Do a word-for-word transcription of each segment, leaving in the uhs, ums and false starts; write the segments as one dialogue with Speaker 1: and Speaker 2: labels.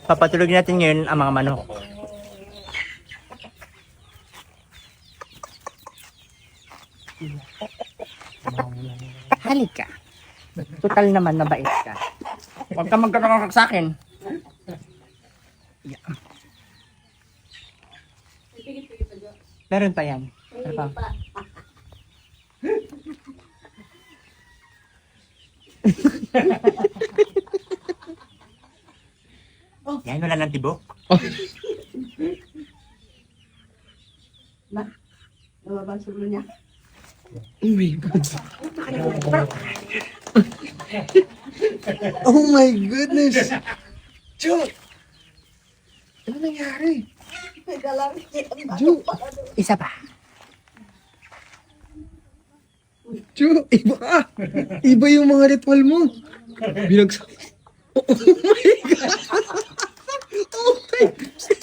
Speaker 1: Papatulog natin ngayon ang mga manok. Halika. Total naman mabait ka. Huwag ka magkakakak sa akin. Yeah. Meron pa yan. Meron pa. Yan, wala ng tibok.
Speaker 2: Na, nababang sulo niya.
Speaker 3: Oh my God. Oh my goodness. Ju! Ano nangyari? Ju!
Speaker 1: Isa pa.
Speaker 3: Ju! Iba ka! Iba yung mga ritual mo. Binagsak. Oh, oh my God! Oh my God!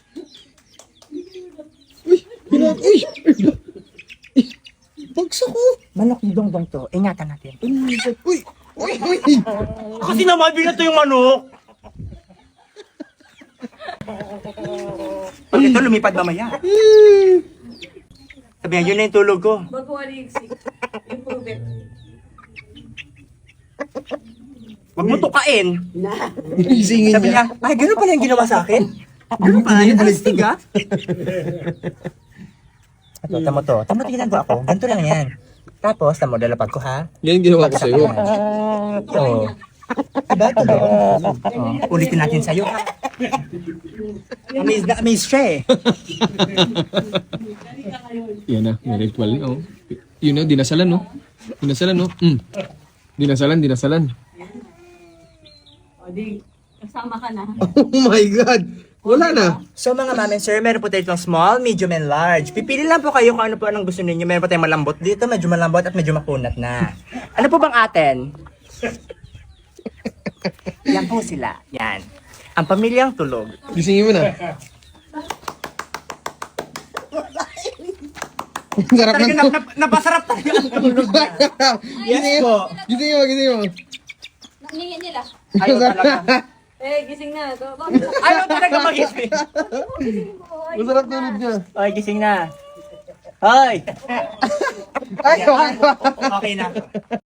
Speaker 3: Uy! Binag... Uy! Uy! Bagsak ko!
Speaker 1: Manok ni Dongdong to. Ingatan natin.
Speaker 3: Oh my God! Uy! Uy! Uy!
Speaker 1: Kasi naman, binato yung manok. Pag ito, lumipad mamaya. Sabi nga, yun na yung tulog ko.
Speaker 2: Magawa ni Ixi. Improve it.
Speaker 1: Huwag mo tukain.
Speaker 2: Na.
Speaker 3: Isingin
Speaker 1: Sabi
Speaker 3: niya.
Speaker 1: niya, ay, gano'n pala yung ginawa sa akin. Gano'n pala yung alistig, ha? Ito, tamo to. Tamo to ginagawa ko. Ganito lang yan. Tapos, tamo, dalapag ko, ha?
Speaker 3: Yan yung ginawa ko sa'yo.
Speaker 1: Oo. Diba, ito ba? Oh, ulitin natin sa'yo, ha? Amaze na amaze siya, eh.
Speaker 3: Yan na, may ritual na, oh. Yun na, dinasalan, no? Dinasalan, no? Mm. Dinasalan, dinasalan.
Speaker 2: O di, kasama ka na.
Speaker 3: Oh my God! Wala na.
Speaker 1: So mga ma'am and sir, meron po tayo itong small, medium, and large. Pipili lang po kayo kung ano po anong gusto ninyo. Meron po tayong malambot dito, medyo malambot at medyo makunat na. Ano po bang atin? Yan po sila. Yan. Ang pamilyang tulog.
Speaker 3: Gisingin mo na. Sarap
Speaker 1: Talaga
Speaker 3: ng
Speaker 1: nap, nap, napasarap talaga ang tulog niya. Yes po.
Speaker 3: Gisingin mo, gisingin mo.
Speaker 2: Nangingi nila.
Speaker 1: Ayaw talaga.
Speaker 2: Eh, gising na. Go, go.
Speaker 1: Ayaw talaga magising.
Speaker 3: Masarap tulog niya.
Speaker 1: Hoy, gising na. Hoy!
Speaker 3: Ay,
Speaker 1: Okay na.